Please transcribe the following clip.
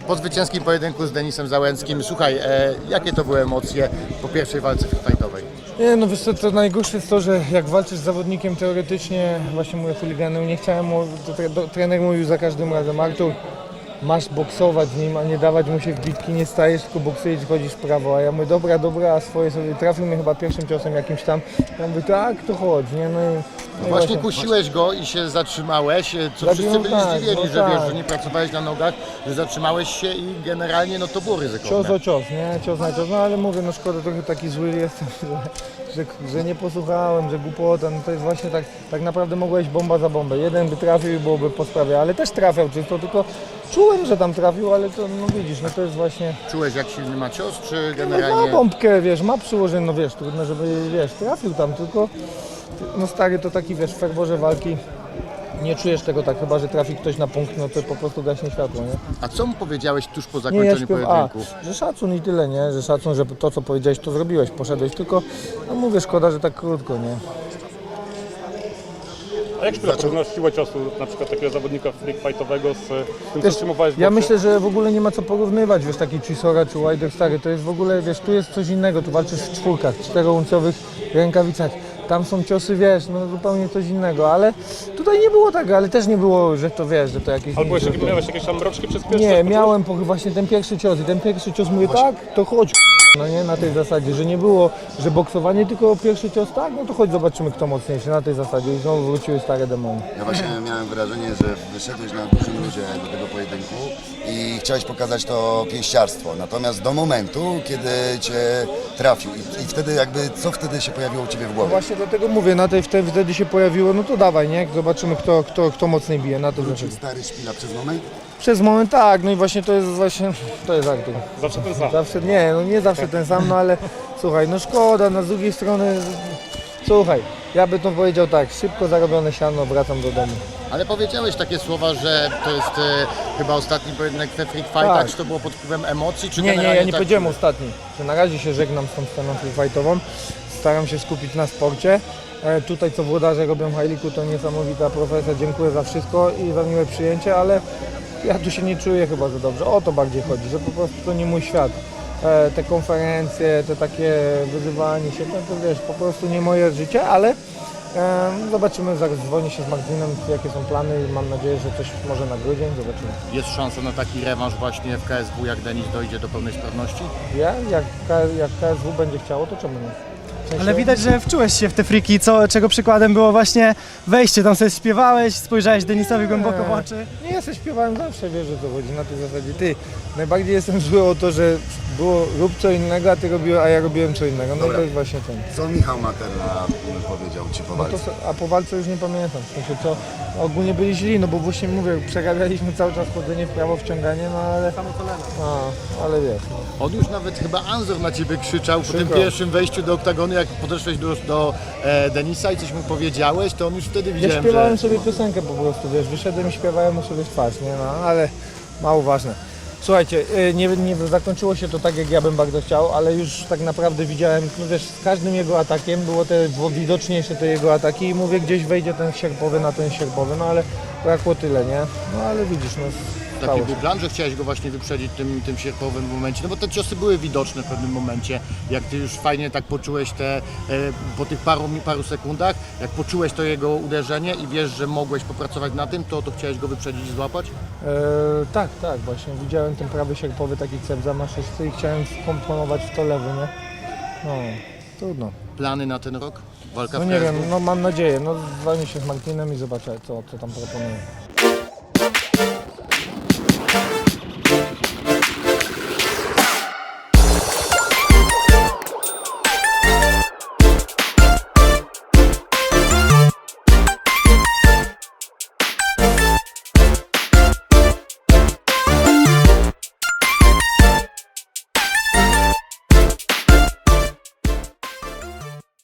po zwycięskim pojedynku z Denisem Załęckim. Słuchaj, jakie to były emocje po pierwszej walce fightowej? Nie, no wiesz co, to najgorsze jest to, że jak walczysz z zawodnikiem teoretycznie, właśnie mówię chuliganem, nie chciałem trener mówił za każdym razem: Artur, masz boksować z nim, a nie dawać mu się w bitki, nie stajesz, tylko boksujesz, chodzisz w prawo. A ja mówię, dobra, a swoje sobie, trafił mnie chyba pierwszym ciosem jakimś tam. Ja mówię, tak, to chodź, nie? No właśnie kusiłeś go i się zatrzymałeś, co wszyscy byli zdziwieni, że wiesz, że nie pracowałeś na nogach, że zatrzymałeś się i generalnie no to było ryzykowne. Cios o cios, nie? Cios na cios, no ale mówię, no szkoda, trochę taki zły jestem, że nie posłuchałem, że głupota, no to jest właśnie tak naprawdę mogła iść bomba za bombę. Jeden by trafił i byłoby po sprawie, ale też trafiał czysto, tylko czułem, że tam trafił, ale to, no widzisz, no to jest właśnie... Czułeś, jak silny ma cios, czy No generalnie... ma bombkę, wiesz, ma przyłożenie, no wiesz, trudno, żeby, wiesz, trafił tam, tylko... No stary, to taki, wiesz, w ferworze walki nie czujesz tego tak, chyba że trafi ktoś na punkt, no to po prostu gaśnie światło, nie? A co mu powiedziałeś tuż po Nie, zakończeniu pojedynku? że szacun i tyle, nie? Że szacun, że to co powiedziałeś, to zrobiłeś, poszedłeś, tylko, no mówię, szkoda, że tak krótko, nie? A jak porównasz siłę ciosu na przykład takiego zawodnika freak fightowego z tym, co Wiesz, trzymowałeś w ja boksie? myślę, że w ogóle nie ma co porównywać, wiesz, taki Chisora czy Wilder, stary, to jest w ogóle, wiesz, tu jest coś innego, tu walczysz w czwórkach, 4-uncowych rękawicach, tam są ciosy, wiesz, no zupełnie coś innego, ale tutaj nie było tak, ale też nie było, że to, wiesz, że to jakieś... Albo jeszcze miałeś jakieś tam mroczki przez pierwszy? Nie, miałem właśnie ten pierwszy cios i ten pierwszy cios mówię, tak, to chodź, no nie, na tej zasadzie, że nie było, że boksowanie, tylko pierwszy cios, tak, no to chodź zobaczymy kto mocniejszy, na tej zasadzie i znowu wróciły stare demony. Ja właśnie miałem wrażenie, że wyszedłeś na dużym ludzie do tego pojedynku i chciałeś pokazać to pięściarstwo, natomiast do momentu, kiedy cię trafił i wtedy jakby, co wtedy się pojawiło u ciebie w No głowie? właśnie dlatego mówię, wtedy się pojawiło, no to dawaj, nie, zobaczymy kto mocniej bije, na to Wrócił zasadzie. stary szpila przez moment? Przez moment tak, no i właśnie to jest Artur. Zawsze ten sam. Zawsze, nie, no nie zawsze ten sam, no ale słuchaj, no szkoda, no z drugiej strony, słuchaj, ja bym to powiedział tak, szybko zarobione siano, wracam do domu. Ale powiedziałeś takie słowa, że to jest chyba ostatni pojedynek we Freak Fightach, Tak. czy to było pod wpływem emocji, czy Nie, generalnie ja nie tak... powiedziałem ostatni, że na razie się żegnam z tą sceną freakfightową, staram się skupić na sporcie. Tutaj co włodarze robią w Hajliku to niesamowita profesja, dziękuję za wszystko i za miłe przyjęcie, ale ja tu się nie czuję chyba za dobrze, o to bardziej chodzi, że po prostu to nie mój świat. Te konferencje, te takie wyzywanie się, to wiesz, po prostu nie moje życie, ale zobaczymy, zaraz dzwonię się z Martinem, jakie są plany i mam nadzieję, że coś może na grudzień, zobaczymy. Jest szansa na taki rewanż właśnie w KSW, jak Denis dojdzie do pełnej sprawności? Jak KSW będzie chciało, to czemu nie? W sensie- Ale widać, że wczułeś się w te friki, czego przykładem było właśnie wejście. Tam sobie śpiewałeś, spojrzałeś Denisowi głęboko w oczy. Nie, ja sobie śpiewałem zawsze, wiesz, że to chodzi na tej zasadzie. Ty, najbardziej jestem zły o to, że było rób co innego, a ja robiłem co innego. No i Dobra. to jest właśnie ten. Co Michał Materna powiedział ci po No walce? a po walce już nie pamiętam, w sensie co, ogólnie byli źli, no bo właśnie mówię, przerabialiśmy cały czas chodzenie w prawo, wciąganie, no ale... ale wiesz, no. On już nawet chyba Anzor na ciebie krzyczał po tym Przykro. pierwszym wejściu do oktagonu, jak podeszłeś do Denisa i coś mu powiedziałeś, to on już wtedy Ja widziałem, śpiewałem że... sobie piosenkę po prostu, wiesz, wyszedłem i śpiewałem mu sobie w twarz, nie, no, ale mało ważne. Słuchajcie, nie zakończyło się to tak, jak ja bym bardzo chciał, ale już tak naprawdę widziałem, no wiesz, z każdym jego atakiem było widoczniejsze te jego ataki i mówię, gdzieś wejdzie ten sierpowy na ten sierpowy, no ale brakło tyle, nie? No ale widzisz, no Taki stało był się. plan, że chciałeś go właśnie wyprzedzić tym sierpowym momencie, no bo te ciosy były widoczne w pewnym momencie, jak ty już fajnie tak poczułeś po tych paru sekundach, jak poczułeś to jego uderzenie i wiesz, że mogłeś popracować na tym, to chciałeś go wyprzedzić i złapać? Tak, właśnie widziałem ten prawy sierpowy taki cep zamaszysty i chciałem wkomponować w to lewy, nie? No, trudno. Plany na ten rok? Walka No w nie KSW? wiem, no mam nadzieję, no dzwonię się z Martinem i zobaczę co tam proponuję.